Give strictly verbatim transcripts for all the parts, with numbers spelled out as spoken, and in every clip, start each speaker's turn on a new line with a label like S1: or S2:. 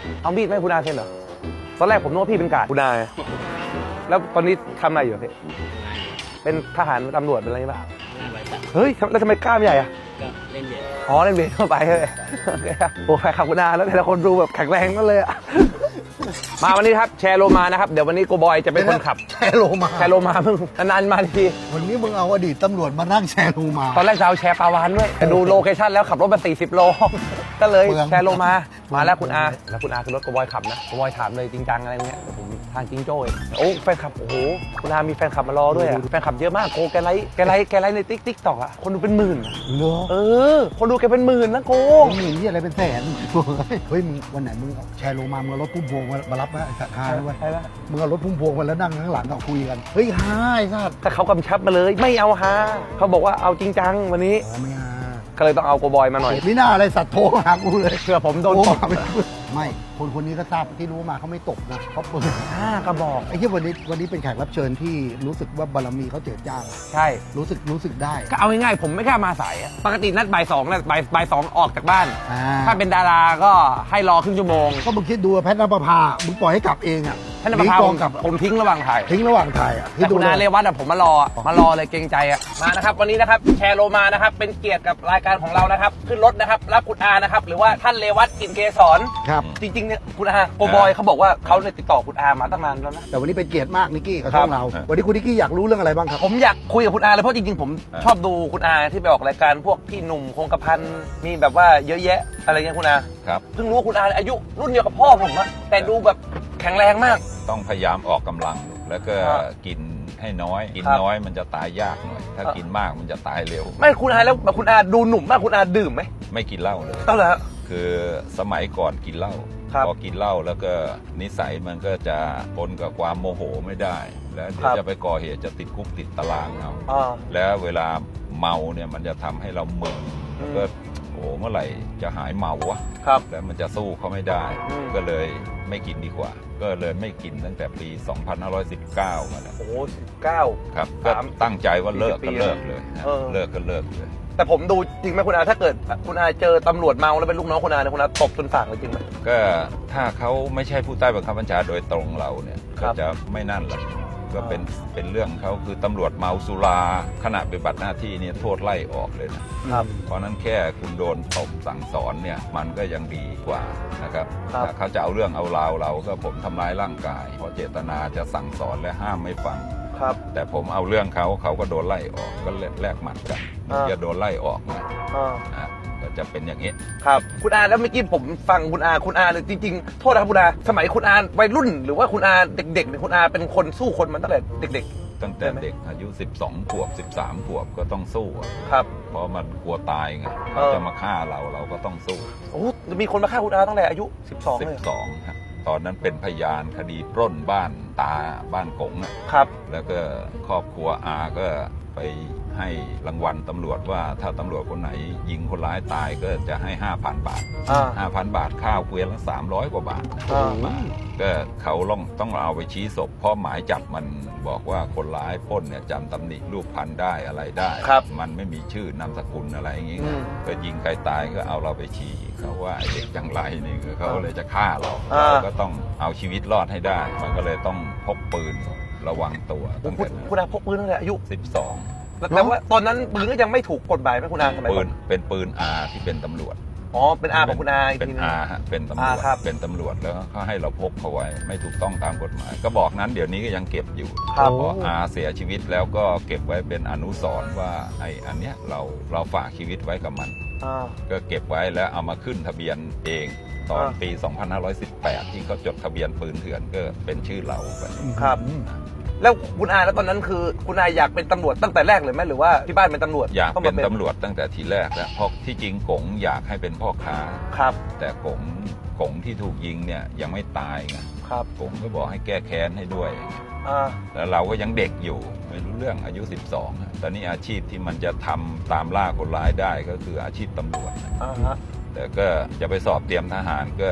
S1: เอามีดให้คุณอาเซ็นเหรอตอนแรกผมนึกว่าพี่เป็นกาดคุณอาแล้วตอนนี้ทำอะไรอยู่พี่เป็นทหารตำรวจเป็นอะไรบ้างเฮ้ยแล้วทำไมกล้ามใหญ่อะ
S2: ก็เล่นเยอะ
S1: อ๋อเล่นเบสเข้าไปเลยโอเคครับโอ้แฟนคลับคุณอาแล้วแต่ละคนดูแบบแข็งแรงกันเลยอะมาวันนี้ครับแชร์โลมานะครับเดี๋ยววันนี้โกบอยจะเป็นคนขับ
S3: แชร์โลมา
S1: แชร์โลมาเพิ่งนานๆมาที
S3: วันนี้มึงเอาอดีตตำรวจมานั่งแชร์โลมา
S1: ตอนแรกจะเอาแชร์ปาวานด้วยแต่ดูโลเคชั่นแล้วขับรถมาสี่สิบโลก็เลยแชร์โลมามาแล้วคุณอาแล้วคุณอาคือรถโกบอยขับนะโกบอยถามเลยจริงจังอะไรเงี้ยผมทางจริงโจ้ยโอ้แฟนคลับโอ้โหคุณอามีแฟนคลับมารอด้วยแฟนคลับเยอะมากโกแกไลค์แกไลค์แกไลค์ในติ๊กติ๊กต็อกอะคนดูเป็นหมื่น
S3: เหรอ
S1: เออคนดูแกเป็นหมื่นนะโก
S3: หมื่นที่อะไรเป็นแสนเฮ้ยมึงวันไหนมึงแชร์โลมามึงเอารถพุ่มพวงมารับนะไอ้สัตว์ฮาด้วยมึงเอารถพุ่มพวงมาแล้วนั่งข้างหลังเอาคุยกันเฮ้ยฮาไอ้สัตว์
S1: ถ้าเขากำชับมาเลยไม่เอาฮาเขาบอกว่าเอาจริงจังวันนี้
S3: ไม่ฮา
S1: ก็เลยต้องเอาโกบอยมาหน่อย
S3: ไม่น่าอะไรสัตว์โทรหากูเลย
S1: เชื่อผมโดนตบ
S3: ไม่คนคนนี้ก็ทราบที่รู้มาเขาไม่ตบนะเขาเปิด
S1: ห้ากระบอก
S3: ไอ้ที่วันนี้วันนี้เป็นแขกรับเชิญที่รู้สึกว่าบารมีเขาเจิดจ้าง
S1: ใช่
S3: รู้สึกรู้สึกได้
S1: ก็เอาง่ายๆผมไม่กล้ามาสายปกตินัดบ่ายสองนะบ่ายบ่ายสองออกจากบ้านถ้าเป็นดาราก็ให้รอครึ่งชั่วโมง
S3: ก็มึงคิดดูแพทย์นภพามึงปล่อยให้กลับเองอ่ะ
S1: แพทย์นภพาผมทิ้งระหว่างถ่าย
S3: ทิ้งระหว่างถ่ายอ่ะ
S1: แต่คุณอาเรวัตอ่ะผมมารอมารอเลยเกรงใจอ่ะมานะครับวันนี้นะครับแชร์โลมานะครับเป็นเกียรติกับรายการของเรานะครับขึ้นรถนะครับรับคุณอานะครับหรือว่าท่านเรวัตกลิ่นเกษร
S3: ครับ
S1: จริงๆเนี่ยคุณอาโกบอยเขาบอกว่าเขาเนี่ยติดต่อคุณอามาตั้งนานแล้วนะ
S3: แต่วันนี้เป็นเกียรติมากนิกกี้กับช่องเราวันนี้คุณนิกกี้อยากรู้เรื่องอะไรบ้างครับ
S1: ผมอยากคุยกับคุณอาเลยเพราะจริงๆผมชอบดูคุณอาที่ไปออกรายการพวกพี่หนุ่มคงกระพันมีแบบว่าเยอะแยะอะไรเงี้ยคุณอา
S4: ครับ
S1: เพิ่งรู้ว่าคุณอาอายุรุ่นเดียวกับพ่อผมอะแต่ดูแบบแข็งแรงมาก
S4: ต้องพยายามออกกำลังแล้วก็กินให้น้อยกินน้อยมันจะตายยากหน่อยถ้ากินมากมันจะตายเร็ว
S1: ไม่คุณอาแล้วคุณอาดูหนุ่มมากคุณอาดื่มไหม
S4: ไม่กินเหล้าเลย
S1: ต้องแล้ว
S4: คือสมัยก่อนกินเหล้าพอกินเหล้าแล้วก็นิสัยมันก็จะปนกับความโมโหไม่ได้แล้วเดี๋ยวจะไปก่อเหตุจะติดคุกติดตารางเอาแล้วเวลาเมาเนี่ยมันจะทำให้เรามึนแล้วก็โอ้เมื่อไหร่จะหายเมาวะแล้วมันจะสู้เขาไม่ได้ก็เลยไม่กินดีกว่าก็เลยไม่กินตั้งแต่ปีสองพันห้าร้อยสิบเก้ามาแล้ว
S1: โอ้สิบเก้า
S4: ครับก็ตั้งใจว่าเลิกก็เลิกเลยเลิกก็เลิกเลย
S1: แต่ผมดูจริงไหมคุณอาถ้าเกิดคุณอาเจอตำรวจเมาแล้วเป็นลูกน้องคุณอาเนี่ยคุณอาตบจนสั่งเลยจริงไหม
S4: ก็ถ้าเขาไม่ใช่ผู้ใต้บังคับบัญชาโดยตรงเราเนี่ยก็จะไม่นั่นหรอกก็เป็นเป็นเรื่องเขาคือตำรวจเมาสุราขณะปฏิบัติหน้าที่เนี่ยโทษไล่ออกเลยนะครับเพราะนั้นแค่คุณโดนตบสั่งสอนเนี่ยมันก็ยังดีกว่านะครับถ้าเขาจะเอาเรื่องเอาราวเราก็ผมทำร้ายร่างกายเพราะเจตนาจะสั่งสอนและห้ามไม่ฟังแต่ผมเอาเรื่องเขาเขาก็โดนไล่ออกก็แลกหมัดกันจะโดนไล่ออกนะก็จะเป็นอย่างนี้
S1: ครับคุณอาแล้วเมื่อกี้ผมฟังคุณอาคุณอาเลยจริงๆโทษนะครับคุณอาสมัยคุณอาวัยรุ่นหรือว่าคุณอาเด็กๆเนี่ยคุณอาเป็นคนสู้คนมันตั้งแต่เด็ก
S4: ๆตั้งแต่เด็กอายุสิบสองขวบสิบสามขวบก็ต้องสู้
S1: ครับ
S4: เพราะมันกลัวตายไงเขาจะมาฆ่าเราเราก็ต้องสู้
S1: โอ้มีคนมาฆ่าคุณอาตั้งแต่อายุสิบสองเลย
S4: สิบสองครับตอนนั้นเป็นพยานคดีปล้นบ้านตาบ้านกง
S1: ครับ
S4: แล้วก็ครอบครัวอาก็ไปให้รางวัลตำรวจว่าถ้าตำรวจคนไหนยิงคนร้ายตายก็จะให้ ห้าพัน บาท ห้าพัน บาทข้าวเกวียนละสามร้อยกว่าบาทก็เขาต้องต้องเอาไปชี้ศพเพราะหมายจับมันบอกว่าคนร้ายปล้นเนี่ยจำตำหนิรูปพันได้อะไรได้มันไม่มีชื่อนามสกุลอะไรอย่างงี้ก็ยิงใครตายก็เอาเราไปชี้เขาว่าไอ้เด็กจังไรนี่เขาเลยจะฆ่าเราเราก็ต้องเอาชีวิตรอดให้ได้มันก็เลยต้องพกปืนระวังตัว
S1: ตั้งแต่คุณอาพกปืนตั้งแต่อายุ
S4: สิบสอง
S1: แต่ว่าตอนนั้นปืนก็ยังไม่ถูกกฎหมายไหมคุณอาสมัยก่อน
S4: ปืนเป็นปืนอาที่เป็นตำรวจ
S1: อ๋อเป็นอาของคุณอา
S4: เป็นอาฮะเป็นตำรวจเป็นตำรวจแล้วเขาให้เราพกเขาไว้ไม่ถูกต้องตามกฎหมายก็บอกนั้นเดี๋ยวนี้ก็ยังเก็บอยู่พออาเสียชีวิตแล้วก็เก็บไว้เป็นอนุสรณ์ว่าไอ้อันเนี้ยเราเราฝากชีวิตไว้กับมันก็เก็บไว้แล้วเอามาขึ้นทะเบียนเองตอนปีสองพันห้าร้อยสิบแปดที่เขาจดทะเบียนปืนเถื่อนก็เป็นชื่อเราไป
S1: ครับแล้วคุณอาแล้วตอนนั้นคือคุณอาอยากเป็นตำรวจตั้งแต่แรกเลยไหมหรือว่าที่บ้านเป็นตำรวจ
S4: อยากเป็นตำรวจตั้งแต่ทีแรกแล้วเพราะที่จริงกงอยากให้เป็นพ่อค้า
S1: ครับ
S4: แต่กงกงที่ถูกยิงเนี่ยยังไม่ตายไง
S1: ครับ
S4: กงก็บอกให้แก้แค้นให้ด้วยแล้วเราก็ยังเด็กอยู่ไม่รู้เรื่องอายุสิบสองตอนนี้อาชีพที่มันจะทำตามล่าคนร้ายได้ก็คืออาชีพตำรวจแต่ก็จะไปสอบเตรียมทหารก็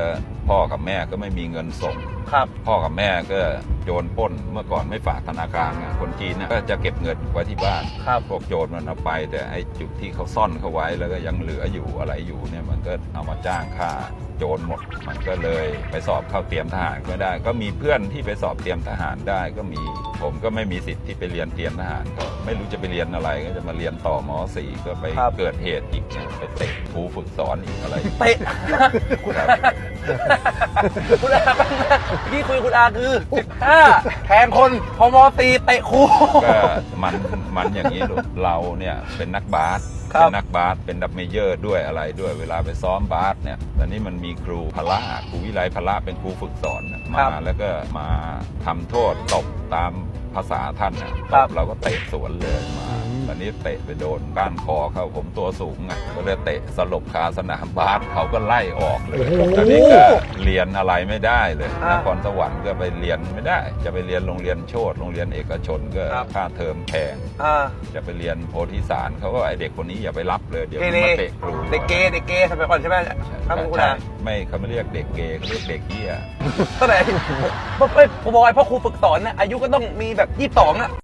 S4: พ่อกับแม่ก็ไม่มีเงินส่ง
S1: ครับ
S4: พ่อกับแม่ก็โจรปล้นเมื่อก่อนไม่ฝากธนาคารไงคนจีนเนี่ยก็จะเก็บเงินไว้ที่บ้าน
S1: ครับ
S4: พวกโจรมันเอาไป แต่ไอ้จุดที่เขาซ่อนเขาไว้แล้วก็ยังเหลืออยู่อะไรอยู่เนี่ยมันก็เอามาจ้างค่าโจรหมด มันก็เลยไปสอบเข้าเตรียมทหารไม่ได้ ก็มีเพื่อนที่ไปสอบเตรียมทหารได้ก็มีผมก็ไม่มีสิทธิ์ที่ไปเรียนเตรียมทหารก็ไม่รู้จะไปเรียนอะไรก็จะมาเรียนต่อม .สี่ ก็ไป
S1: ครับ
S4: เกิดเหตุอีกเนี่ยไปเตะครูฝึกสอนอีกอะไร
S1: เตะคุณอาคุณอาที่คุยกับคุณอาคือสิบห้าแทงคนพมตีเตะครู
S4: ก็มันมันอย่างนี้ลูกเราเนี่ยเป็นนักบาส
S1: ครับ
S4: เป็นนักบาสเป็นดับเมเยอร์ด้วยอะไรด้วยเวลาไปซ้อมบาสเนี่ยตอนนี้มันมีครูพละครูวิไลพละเป็นครูฝึกสอนน่ะมาแล้วก็มาทำโทษตบตามภาษาท่านน่ะตบเราก็เตะสวนเลยมาตอนนี้เตะไปโดนก้านคอเขาผมตัวสูงอ่ะก็เลยเตะสลบคาสนามบาสเขาก็ไล่ออกเลยตอนนี้ก็เรียนอะไรไม่ได้เลยนครสวรรค์ก็ไปเรียนไม่ได้ จะไปเรียนโรงเรียนโชติโรงเรียนเอกชนก็ค่าเทอมแพง
S1: อ่า
S4: จะไปเรียนโพธิสารเขาก็ไอเด็กคนนี้อย่าไปรับเลยเดี๋ยว
S1: เก
S4: มัน
S1: เร
S4: มาเตะครู
S1: เด็กเกย์เด็กเกย์สมัยก่อนใช่ไหมครับคุณ
S4: ใช่
S1: อา
S4: ไม่เขาไม่เรียกเด็กเกย์เขาเรียกเด็กเหี้ย
S1: เท่าไหร่ผมผมบอกไอ้พ่อครูฝึกสอนนะอายุก็ต้องมีแบบยี่สิบสองอะ